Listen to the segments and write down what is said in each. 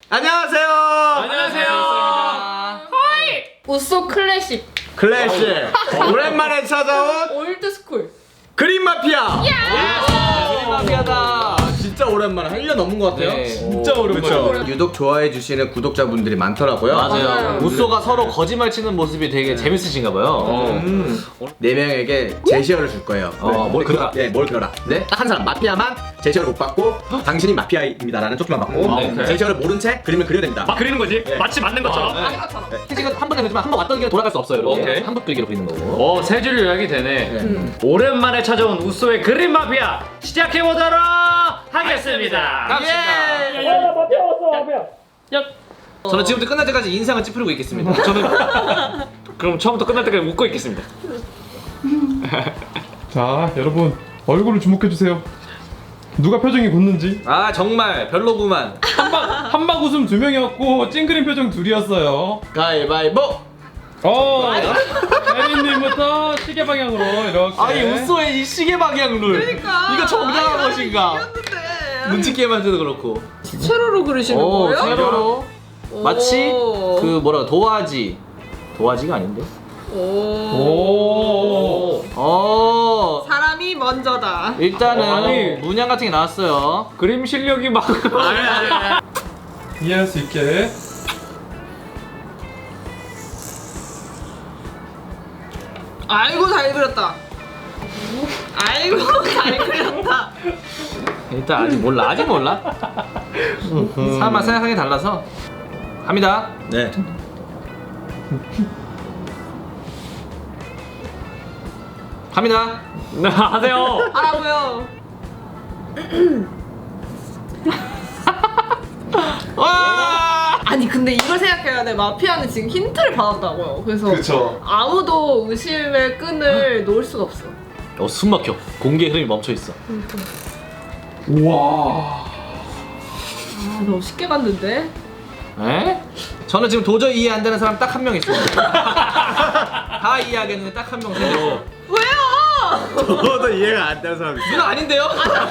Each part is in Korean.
안녕하세요. 안녕하세요. 하이! 우소 클래식 클래식. 오랜만에 찾아온 올드스쿨 그린 마피아. 그린 마피아다. 진짜 오랜만에 한 1년 넘은 것 같아요. 네. 진짜 오랜만에. 유독 좋아해 주시는 구독자분들이 많더라고요. 맞아요. 우소가 서로 거짓말 치는 모습이 되게 재밌으신가 봐요. 네 명에게 제시어를 줄 거예요. 뭘 그려라? 네, 뭘 그려라. 네, 딱 한 사람 마피아만 제시어를 못 받고 당신이 마피아입니다라는 쪽지만 받고 네. 제시어를 모른 채 그림을 그려야 됩니다. 막 그리는 거지? 마치 맞는 것처럼. 아닌 것처럼 캐식은 한 번에 그리지만 한 번 왔던 길로 돌아갈 수 없어요. 이렇게 오케이. 한번 그리기로 그리는 거고. 세 줄 요약이 되네. 오랜만에 찾아온 우소의 그린 마피아 시작해보도록 하겠습니다. 저는 지금부터 끝날 때까지 인상을 찌푸리고 있겠습니다. 저는 그럼 처음부터 끝날 때까지 웃고 있겠습니다. 자, 여러분 얼굴을 주목해 주세요. 누가 표정이 굳는지. 아 정말 별로구만. 한방 웃음 2명이었고 찡그린 표정 2이었어요. 가위바위보. 혜린님부터 시계 방향으로 이렇게. 아니 우소의 이 시계 방향 룰. 그러니까. 이거 정당한 것인가? 눈치 게임 할 때도 그렇고. 세로로 그리시는 오 거예요? 세로로. 마치 오. 그 뭐라 도화지가 아닌데? 오. 사람이 먼저다 일단은 아니. 문양 같은 게 나왔어요. 그림 실력이 막 이해할 수 있게. 아이고 잘 그렸다 아이고 잘 그렸다 일단 아직 몰라. 사람마다 생각하기 달라서 합니다. 네. 갑니다. 하세요. 하라고요 와! 아니 근데 이걸 생각해야 돼 마피아는 지금 힌트를 받았다고요 그래서 그쵸. 아무도 의심의 끈을 놓을 수가 없어 숨 막혀. 공기의 흐름이 멈춰 있어. 우와. 아 너무 쉽게 봤는데 에? 저는 지금 도저히 이해 안 되는 사람 딱 한 명 있어요. 다 이해하겠는데 딱 한 명 생겼어. 왜요? 저도 이해가 안 되는 사람 있어요. 누나 아닌데요?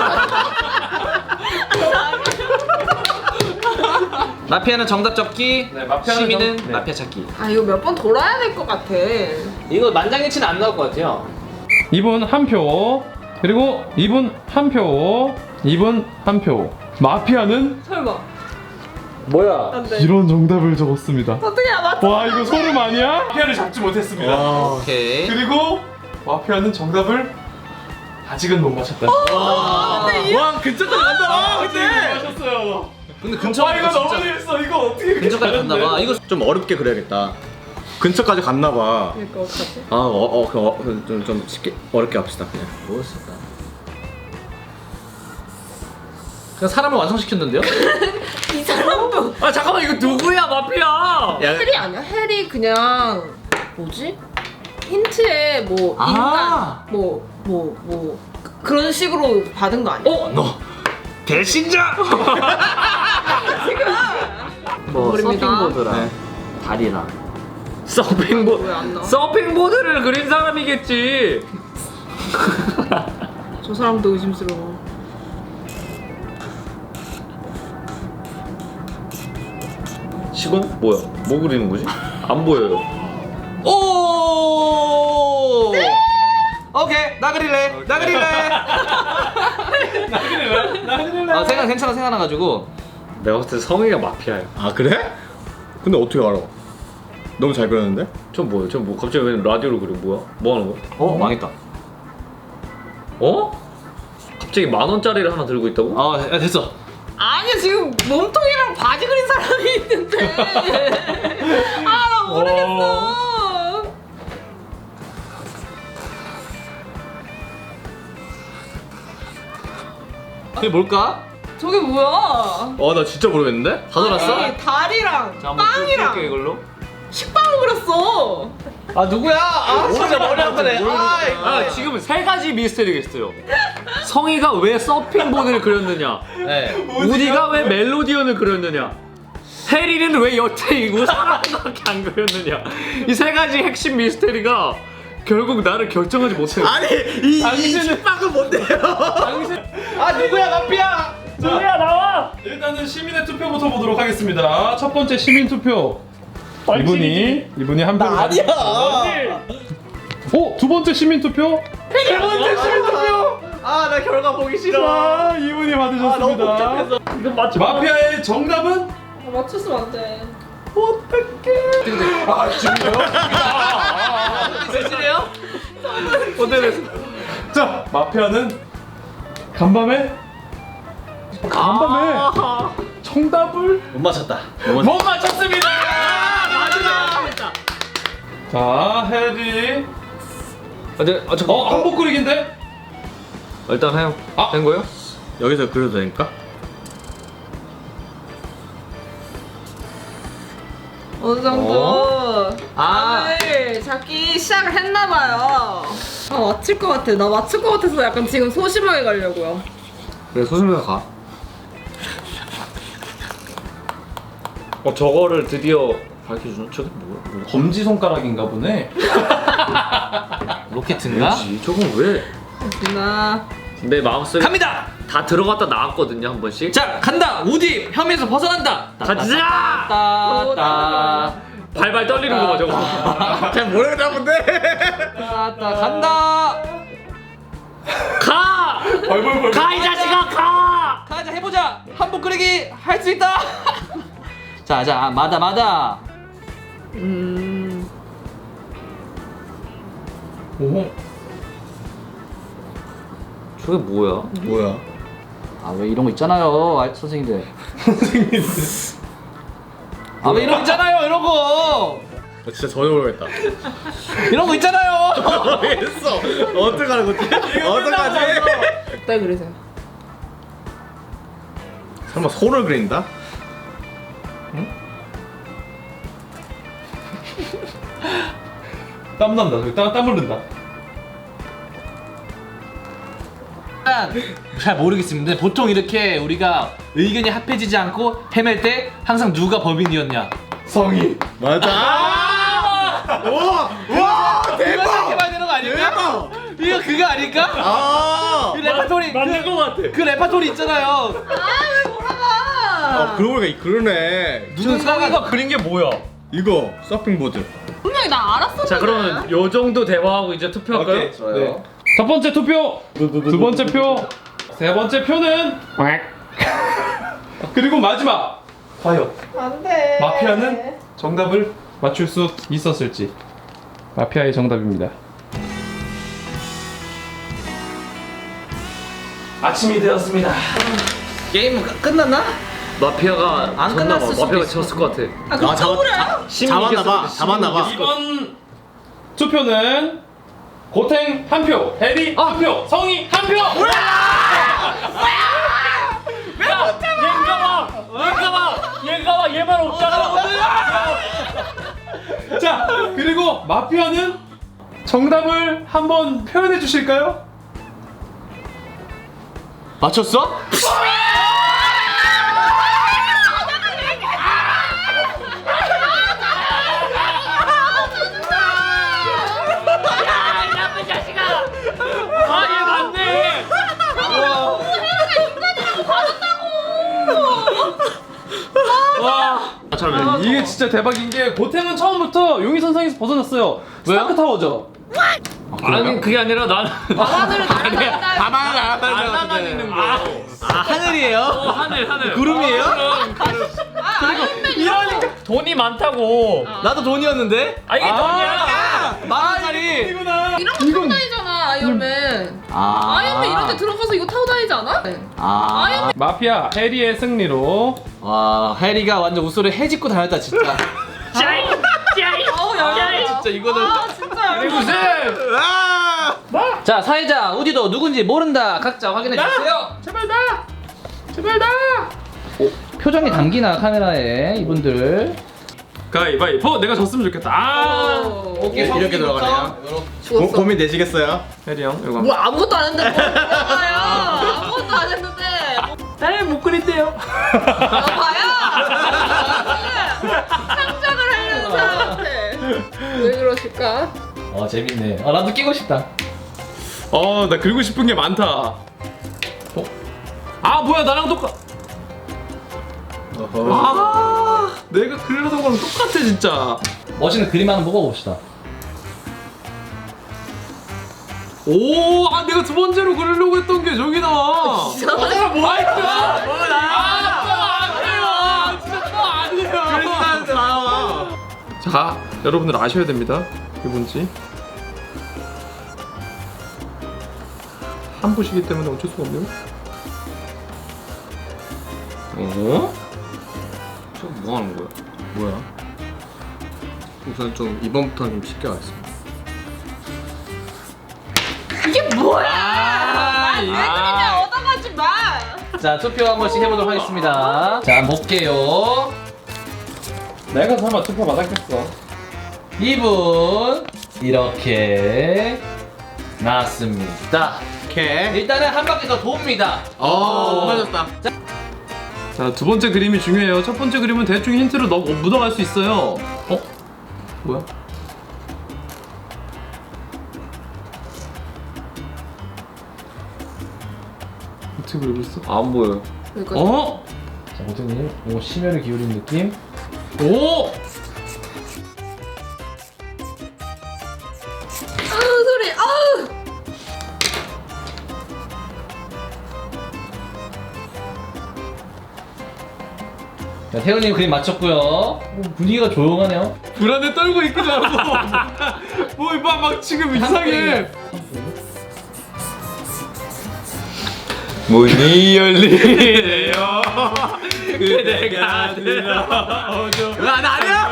마피아는 정답 적기, 네, 마피아는 시민은 네. 마피아 찾기. 아 이거 몇 번 돌아야 될 것 같아 이거 만장일치는 안 나올 것 같아요. 이분 한 표. 그리고 이분 한 표. 이분 한 표. 마피아는 설마 뭐야? 안돼 이런 정답을 적었습니다. 어떻게 맞춰 와, 이거 소름 아니야? 마피아를 잡지 못했습니다. 오케이. 그리고 마피아는 정답을 아직은 못 맞췄다. 와, 근처까지 간다. 아직은 못 맞췄어요. 근데 근처 와, 이거 너무 재밌어. 이거 어떻게 이렇게 근처까지 갔나 봐. 이거 좀 어렵게 그려야겠다. 근처까지 갔나 봐. 그러니까 어떡하지? 좀 쉽게 어렵게 합시다. 그냥. 뭐였을까? 그냥 사람을 완성시켰는데요? 이 사람도 아 잠깐만 이거 누구야 마피아? 야, 해리 아니야? 해리 그냥 뭐지? 힌트에 뭐 아. 인간 뭐 그런 식으로 받은 거 아니야? 너 배신자. 뭐 모릅니다. 서핑보드랑 네. 다리랑. 왜안 나와? 서핑보드를 그린 사람이겠지. 저 사람도 의심스러워. 시건 뭐야? 뭐 그리는 거지? 안 보여요. 오! 오케이 나 그릴래. 나 그릴래. 아 생각 괜찮아 생각나가지고. 내가 봤을 때 성희가 마피아야. 아 그래? 근데 어떻게 알아? 너무 잘 그렸는데? 저 뭐야? 저 뭐 갑자기 왜 라디오로 그려? 뭐야? 뭐 하는 거야? 망했다. 어? 갑자기 10,000원짜리를 하나 들고 있다고? 아 야, 됐어. 아니야 지금 몸통이랑 바지 그린 사람이 있는데. 아 나 모르겠어. 그게 뭘까? 저게 뭐야? 나 진짜 모르겠는데? 다 돌았어? 아니, 다리랑 자, 한번 빵이랑 띄울게, 이걸로. 식빵을 그렸어. 아 누구야? 아 진짜 머리 아프네. 아 지금 세 가지 미스터리겠어요. 성희가 왜 서핑보드를 그렸느냐? 네. 우디가 왜 멜로디언을 그렸느냐? 해리는 왜 여태이고 사람밖에 안 그렸느냐? 이 세 가지 핵심 미스터리가 결국 나를 결정하지 못해요. 아니 이 식빵은 뭔데요? 아 누구야 마피아? 누구야 나와. 일단은 시민의 투표부터 보도록 하겠습니다. 첫 번째 시민 투표. 이분이 한 표를 아니야. 오, 두 번째 시민 투표. 세 번째 시민 투표. 아, 나 결과 보기 싫어. 자, 이분이 받으셨습니다. 이건 맞죠? 마피아의 정답은 맞췄으면 안 돼. 세시네요? 자, 마피아는 간밤에 정답을 못 맞췄다. 못 맞췄습니다. 자, 해리. 잠깐. 한복 그리기인데? 일단 해요. 아. 된 거예요? 여기서 그려도 되니까? 어느 정도 아. 오늘 잡기 시작을 했나봐요. 아 맞출 것 같아. 나 맞출 것 같아서 약간 지금 소심하게 가려고요. 그래 소심해가 가. 저거를 드디어 밝혀주는 저게 뭐야? 검지 손가락인가 보네. 로켓인가? 저건 왜? 나 내 마음속에 갑니다! 다 들어갔다 나왔거든요 한 번씩. 자, 간다! 우디! 혐의에서 벗어난다! 가자! 따따 발발 떨리는 거 봐 저거. 잘 모르겠다 본데. 따따 간다! 가! 가 이 자식아 가! 가자 해보자! 한복 그리기 할 수 있다! 자 마다 오. 저게 뭐야? 뭐야? 아 왜 이런 거 있잖아요 선생님들 아 왜 이런 거 있잖아요 이런 거 나 진짜 전혀 모르겠다. 이런 거 있잖아요 모르겠어. 어떡하는 거지? 어떡하지? 딱 그러세요. 설마 손을 그린다? 땀 난다. 저기 땀 흐른다. 잘 모르겠습니다 보통 이렇게 우리가 의견이 합해지지 않고 헤맬 때 항상 누가 법인이었냐 성이. 맞아. 와 이렇게 대박. 봐야 되는 거 아닐까? 대박. 이거 그거 아닐까? 아. 그 레파토리 맞는 거 같아. 그 레파토리 있잖아요 아왜 몰아가? 아 그러고 보니까 그러네. 누군가가 그린 게 뭐야? 이거 서핑보드. 분명히 나 알았었는데. 자 그러면 요 정도 대화하고 이제 투표할까요? 오케이, 좋아요. 첫 번째 투표. 두 번째 표. 세 번째 표는 그리고 마지막. 과연 안돼. 마피아는 정답을 맞출 수 있었을지. 마피아의 정답입니다. 아침이 되었습니다. 게임 끝났나? 마피아가 안 졌나 봐. 끝났을 수도 마피아가 있어. 졌을 것 같아. 아 그럼 잡았- 억울해요? 잡았나봐. 잡았나봐. 이번 투표는 고탱 한 표, 해리 한 표, 성희 한 표. 얘가 봐 얘만 없잖아. 자, 그리고 마피아는 정답을 한번 표현해 주실까요? 맞췄어? 아 얘 맞네. 이게 진짜 대박인 게 고탱은 처음부터 용의선상에서 벗어났어요. 스타크 타워죠. 아니 그게 아니라 나는 하늘을 날아간다. 가만히 안 날아다니는 거. 아 하늘이에요? 하늘. 구름이에요? 이러니까 돈이 많다고. 나도 돈이었는데? 아 이게 돈이야. 만원짜리 이런 거 타고 다니잖아 아이언맨. 아 아이언맨 이런 데 들어가서 이거 타고 다니지 않아? 아 마피아 해리의 승리로 와 해리가 완전 웃소리 해집고 다녔다 진짜 짜이 짜이. 어우 야. 진짜 이거는 아 진짜. 무슨? 아! 자 사회자 우디도 누군지 모른다 각자 확인해 주세요 제발 나 표정이 담기나 카메라에 이분들 가위바위보. 내가 졌으면 좋겠다. 오케이 이렇게 들어가네요. 죽었어. 고민 되시겠어요? 해리 형 이거 뭐 아무것도 안 했는데 뭐 들어가요? 아무것도 안 했는데. 날못 그린대요 봐요. 상상을 하려는 사람한테 왜 그러실까? 재밌네 나도 끼고 싶다 나 그리고 싶은 게 많다. 아 뭐야 나랑 똑같. 아 내가 그리려던 거랑 똑같아 진짜. 멋있는 그림 하나 뽑아봅시다. 오, 아 내가 두 번째로 그리려고 했던 게 저기 나와. 자, 여러분들 아셔야 됩니다. 이게 뭔지. 한 부시기 때문에 어쩔 수가 없네요. 어? 저 뭐 하는 거야? 뭐야? 우선 좀 이번부터는 좀 쉽게 하겠습니다. 이게 뭐야? 내 그림에 얻어가지 마. 자, 투표 한 번씩 해보도록 하겠습니다. 자, 볼게요. 내가 설마 투표 받았겠어. 2분 이렇게 나왔습니다. 오케이. 일단은 한 바퀴 더 돕니다. 맞았다. 자, 두 번째 그림이 중요해요. 첫 번째 그림은 대충 힌트를 묻어갈 수 있어요. 뭐야? 어떻게 그리고 있어? 안 보여. 어? 자, 고태님, 오 심혈을 기울인 느낌. 오! 아우 소리. 아우. 자, 태훈님 그림 맞췄고요. 분위기가 조용하네요. 불안에 떨고 있기도 하고. 뭐, 막 지금 이상해. 문이 열리네요. 그대가 들어오죠. 나 아니야.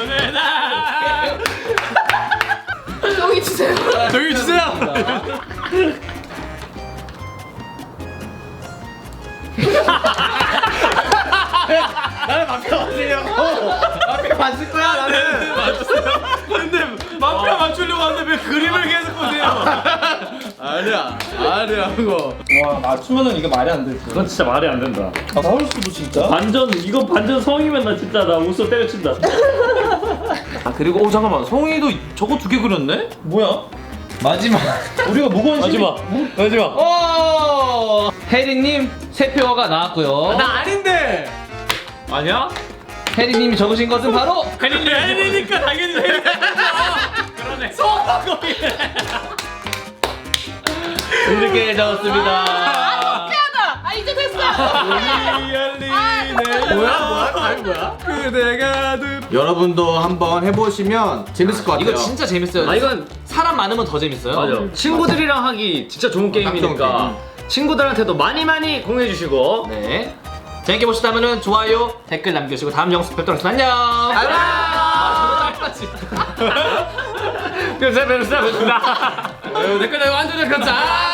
여기 주세요. 저기 주세요. 앞에 봤을 거야 나는. 근데 마피아 맞추려고 하는데 왜 그림을 계속 보세요? 아니야 그거. 와, 맞추면은 이게 말이 안 되지. 그건 진짜 말이 안 된다. 나올 수도 진짜. 이거 반전 성이면 나 진짜 나 웃어 때려친다. 아, 그리고 잠깐만. 송이도 저거 두 개 그렸네? 뭐야? 마지막. 우리가 무관심. 마지막. 오! 혜리님 세 표가 나왔고요. 나 아닌데. 아니야? 혜리님이 적으신 것은 바로 혜리니까 당연히 혜리. 그러네. 이렇게 적었습니다. 피하다. 아 이제 됐어. 뭐야? 아니 뭐야? 그대가 여러분도 한번 해보시면 재밌을 것 같아요. 이거 진짜 재밌어요. 아 이건 사람 많으면 더 재밌어요. 맞아. 친구들이랑 하기 진짜 좋은 게임이니까 친구들한테도 많이 공유해 주시고. 네. 재밌게 보셨다면 좋아요, 댓글 남겨주시고 다음 영상 뵙도록 하겠습니다. 안녕. 그래서 뵙습니다. 댓글 완전 잘 켰다.